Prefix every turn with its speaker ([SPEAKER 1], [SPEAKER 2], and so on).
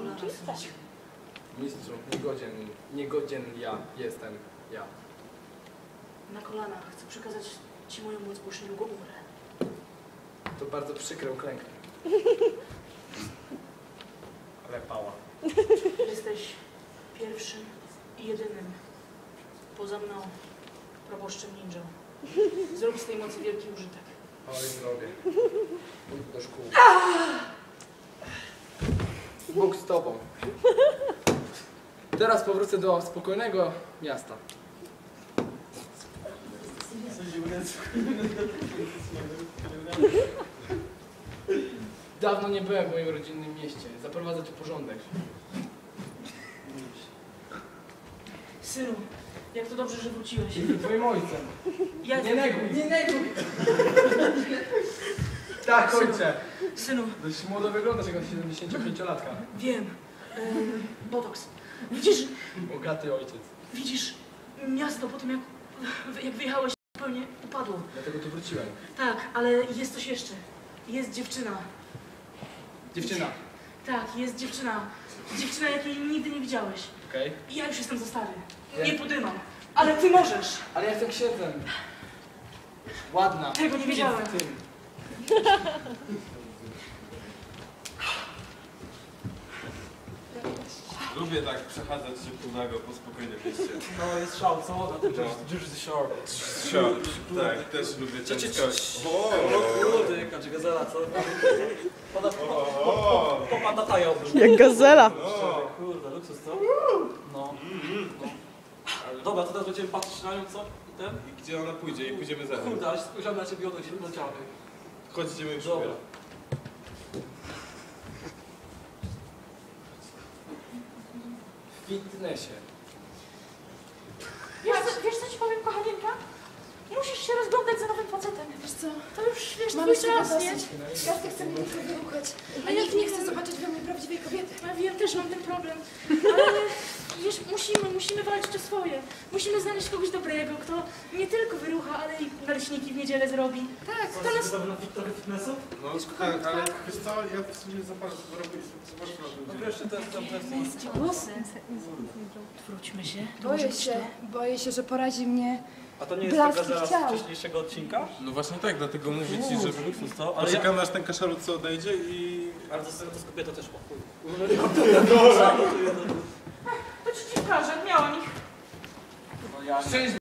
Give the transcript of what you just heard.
[SPEAKER 1] kolana wstać.
[SPEAKER 2] Mistrzu, niegodzien ja jestem ja.
[SPEAKER 1] Na kolanach chcę przekazać ci moją moc, bo już niedługo umrę.
[SPEAKER 2] To bardzo przykre, uklęknę. Ale pała.
[SPEAKER 1] Jesteś pierwszym i jedynym poza mną proboszczem ninją. Zrób z tej mocy wielki użytek.
[SPEAKER 2] Oj, zrobię. Pójdę do szkół. Bóg z tobą. Teraz powrócę do spokojnego miasta. Dawno nie byłem w moim rodzinnym mieście. Zaprowadzę tu porządek.
[SPEAKER 1] Synu, jak to dobrze, że wróciłeś.
[SPEAKER 2] Twoim ojcem.
[SPEAKER 1] Ja
[SPEAKER 2] Nie neguj, nie neguj! Tak, ojcze.
[SPEAKER 1] Synu,
[SPEAKER 2] Dość młodo wyglądasz jak 75-latka.
[SPEAKER 1] wiem. Botox.
[SPEAKER 2] Bogaty ojciec.
[SPEAKER 1] Widzisz, miasto po tym jak wyjechałeś zupełnie upadło.
[SPEAKER 2] Dlatego tu wróciłem.
[SPEAKER 1] Tak, ale jest coś jeszcze. Jest dziewczyna.
[SPEAKER 2] Dziewczyna.
[SPEAKER 1] Tak, jest dziewczyna. Dziewczyna, jakiej nigdy nie widziałeś.
[SPEAKER 2] Okej.
[SPEAKER 1] I ja już jestem za stary.
[SPEAKER 2] Nie.
[SPEAKER 1] Nie podymam. Ale ty możesz.
[SPEAKER 2] Ale ja jestem księdzem. Ładna.
[SPEAKER 1] Tego nie wiedziałem.
[SPEAKER 2] Idź z tym.
[SPEAKER 3] Lubię tak przechadzać się półnago po spokojnym mieście.
[SPEAKER 4] No jest szał, co? Jersey Shore.
[SPEAKER 3] Tak, też lubię ciężkość.
[SPEAKER 4] Kurde, jaka czy gazela, co? Popada tają.
[SPEAKER 5] Jak gazela.
[SPEAKER 4] Kurde, luksus, co? No. Dobra, to teraz będziemy patrzeć na nią, co? I ten?
[SPEAKER 3] I gdzie ona pójdzie? I pójdziemy za nią.
[SPEAKER 4] Kurde, ale spojrzałem na ciebie, ono gdzie leciały.
[SPEAKER 3] Chodź, idziemy już.
[SPEAKER 4] Dobra.
[SPEAKER 2] W fitnessie.
[SPEAKER 1] Wiesz co ci powiem, kochanieńka? Musisz się rozglądać za nowym facetem.
[SPEAKER 6] Wiesz co?
[SPEAKER 1] To już, wiesz,
[SPEAKER 6] Mamy
[SPEAKER 1] twój
[SPEAKER 6] się
[SPEAKER 1] czas, nie?
[SPEAKER 6] dosyć. Każdy chce mnie tylko wyruchać, a
[SPEAKER 1] A ja
[SPEAKER 6] nikt nie
[SPEAKER 1] wiem.
[SPEAKER 6] chce zobaczyć we mnie prawdziwej kobiety.
[SPEAKER 1] Ja wiem, też mam ten problem. Ale wiesz, musimy walczyć o swoje. Musimy znaleźć kogoś dobrego, kto nie tylko wyrucha, ale i naleśniki w niedzielę zrobi.
[SPEAKER 6] Tak,
[SPEAKER 1] To nas...
[SPEAKER 4] Trochę fitnessu?
[SPEAKER 3] No tak, ale wiesz co, ja w sumie zobaczę,
[SPEAKER 4] No wiesz, to jest tam
[SPEAKER 1] Głosy. Wróćmy się.
[SPEAKER 6] boję się, że porazi mnie.
[SPEAKER 4] A to nie jest ta
[SPEAKER 6] Blaski
[SPEAKER 4] gazela
[SPEAKER 6] chciał.
[SPEAKER 4] z wcześniejszego odcinka?
[SPEAKER 3] No właśnie tak, dlatego mówię ci, że
[SPEAKER 4] Luksus, co? Ale
[SPEAKER 3] poczekam aż ten kaszalut odejdzie i...
[SPEAKER 4] Ale to z kobietą też o chuj.
[SPEAKER 1] To ci pokażę, miałam ich.
[SPEAKER 4] No ja...
[SPEAKER 2] Szczęść